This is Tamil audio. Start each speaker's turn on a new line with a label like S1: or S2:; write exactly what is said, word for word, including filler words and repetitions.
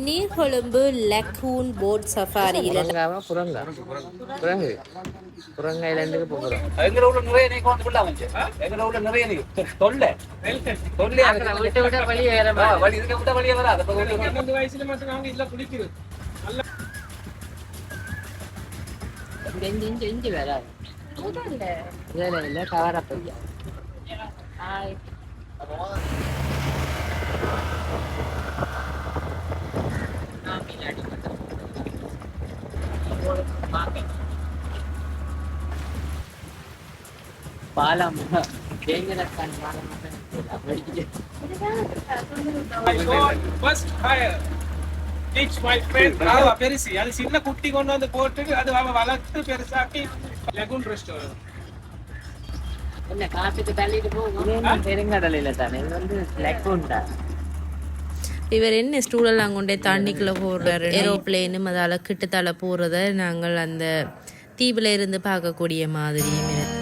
S1: நீர்கொழும்பு லக்கூன் போட் சஃபாரியில்
S2: புறங்கா புறங்கு புறங்க ஐலண்டுக்கு போகிறோம்.
S3: எங்க ஊர்ல நிறைய நீ கொண்டு விடலாம் வந்து எங்க ஊர்ல நிறைய நீ தொல்லை தொல்லை
S2: விட்டு விட்ட வழியே வேற
S3: வழி இதுக்கு விட்ட வழியே வராது.
S4: பன்னெண்டு வயசுல மட்டும் நாங்க இதுல குளிக்கிறது
S2: இஞ்சி இஞ்சி இஞ்சி வராது இல்லை இல்லை கவர பையா பாலம் டேஞ்சரஸ் பாலம்
S4: பெருசு அது சின்ன குட்டி கொண்டு வந்து போட்டு அது வளர்த்து பெருசாக்கி லெகுன் ரெஸ்டாரண்ட்
S2: என்ன காப்பிட்டு தள்ளிட்டு போகும் பெருங்கடலையில தானே இது வந்து லெகுன் தான்.
S1: இவர் என்ன ஸ்டூடெல்லாம் கொண்டே தண்ணிக்குள்ளே போடுறாரு ஏரோப்ளேனும் அதால் கிட்டத்தால போகிறத நாங்கள் அந்த தீவில் இருந்து பார்க்கக்கூடிய மாதிரியும் இருக்கு.